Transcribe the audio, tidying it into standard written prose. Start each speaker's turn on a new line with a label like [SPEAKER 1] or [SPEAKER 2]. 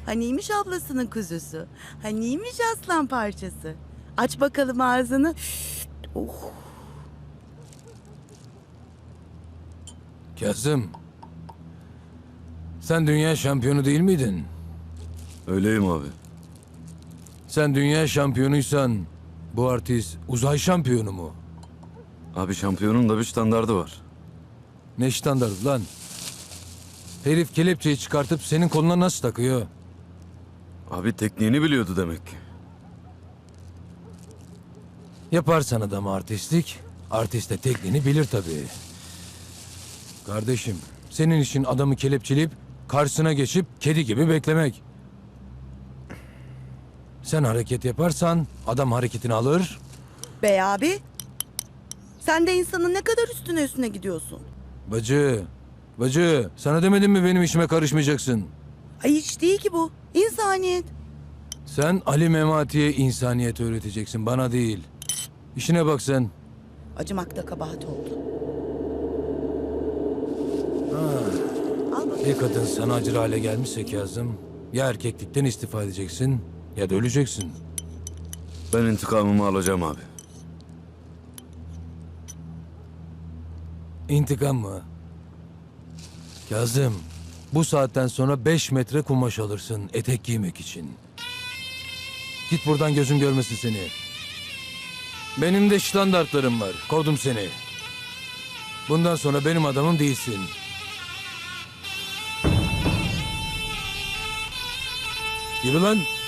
[SPEAKER 1] Haniymiş ablasının kuzusu? Haniymiş aslan parçası? Aç bakalım ağzını. Oh.
[SPEAKER 2] Kazım. Sen dünya şampiyonu değil miydin?
[SPEAKER 3] Öyleyim abi.
[SPEAKER 2] Sen dünya şampiyonuysan bu artist uzay şampiyonu mu?
[SPEAKER 3] Abi şampiyonun da bir standardı var.
[SPEAKER 2] Ne standart lan? Herif kelepçeyi çıkartıp senin koluna nasıl takıyor?
[SPEAKER 3] Abi tekniğini biliyordu demek ki.
[SPEAKER 2] Yaparsan adam artistlik, artist de tekniğini bilir tabii. Kardeşim, senin işin adamı kelepçeleyip karşısına geçip kedi gibi beklemek. Sen hareket yaparsan adam hareketini alır.
[SPEAKER 1] Bey abi. Sen de insanın ne kadar üstüne gidiyorsun.
[SPEAKER 2] Bacı, sana demedim mi benim işime karışmayacaksın?
[SPEAKER 1] Ay hiç değil ki bu. İnsaniyet.
[SPEAKER 2] Sen Ali Memati'ye insaniyet öğreteceksin, bana değil. İşine bak sen.
[SPEAKER 1] Acımakta kabahat oldu. Al bakalım.
[SPEAKER 2] Bir kadın sana acır hale gelmişse Kazım, ya erkeklikten istifa edeceksin ya da öleceksin.
[SPEAKER 3] Ben intikamımı alacağım abi.
[SPEAKER 2] İntikam mı? Kazım, bu saatten sonra 5 metre kumaş alırsın etek giymek için. Git buradan, gözüm görmesin seni. Benim de standartlarım var. Kovdum seni. Bundan sonra benim adamım değilsin. Yürü lan.